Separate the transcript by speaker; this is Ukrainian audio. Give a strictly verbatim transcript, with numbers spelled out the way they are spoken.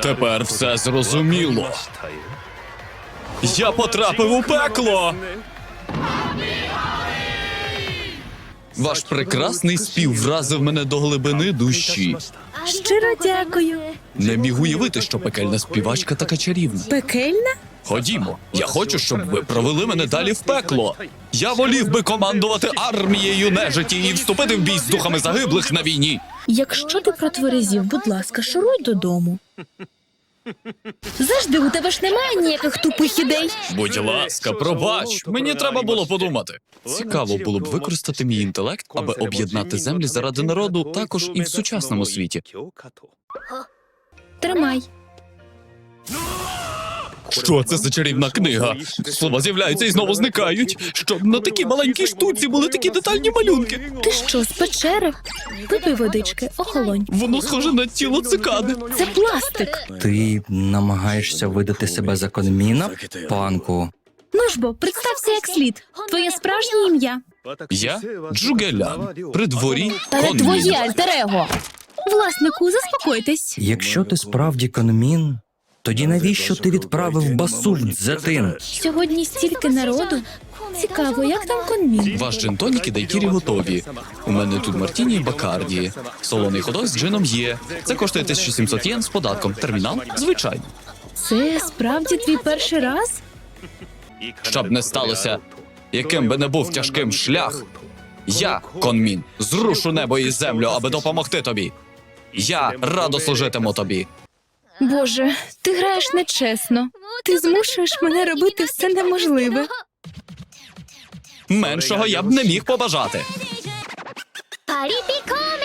Speaker 1: Тепер все зрозуміло. Я потрапив у пекло! Ваш прекрасний спів вразив мене до глибини душі.
Speaker 2: Щиро дякую.
Speaker 1: Не міг уявити, що пекельна співачка така чарівна.
Speaker 2: Пекельна?
Speaker 1: Ходімо, я хочу, щоб ви провели мене далі в пекло. Я волів би командувати армією нежиті і вступити в бій з духами загиблих на війні.
Speaker 2: Якщо ти протверезів, будь ласка, шуруй додому. Завжди, у тебе ж немає ніяких тупих ідей.
Speaker 1: Будь ласка, пробач, мені треба було подумати. Цікаво було б використати мій інтелект, аби об'єднати землі заради народу також і в сучасному світі.
Speaker 2: Тримай.
Speaker 1: Що це за чарівна книга? Слова з'являються і знову зникають. Щоб на такій маленькій штуці були такі детальні малюнки.
Speaker 2: Ти що, з печери? Випий водички, охолонь.
Speaker 1: Воно схоже на тіло цикади.
Speaker 2: Це пластик.
Speaker 3: Ти намагаєшся видати себе за Конміна, панку?
Speaker 2: Ну ж бо, представся як слід. Твоє справжнє ім'я.
Speaker 1: Я Джугелян, при дворі
Speaker 2: Та не
Speaker 1: Конмін.
Speaker 2: твоє альтер-его. Власнику, заспокойтесь.
Speaker 3: Якщо ти справді Конмін, тоді навіщо ти відправив басу в Дзетин?
Speaker 2: Сьогодні стільки народу. Цікаво, як там Конмін?
Speaker 1: Ваш джин-тонік і дайкірі готові. У мене тут мартіні і бакарді. Солоний ходок з джином є. Це коштує тисячу сімсот єн з податком. Термінал? Звичайно.
Speaker 2: Це справді твій перший раз?
Speaker 1: Щоб не сталося, яким би не був тяжким шлях, я, Конмін, зрушу небо і землю, аби допомогти тобі. Я радо служитиму тобі.
Speaker 2: Боже, ти граєш нечесно. Ти змушуєш мене робити все неможливе.
Speaker 1: Меншого я б не міг побажати.
Speaker 4: 파리피콘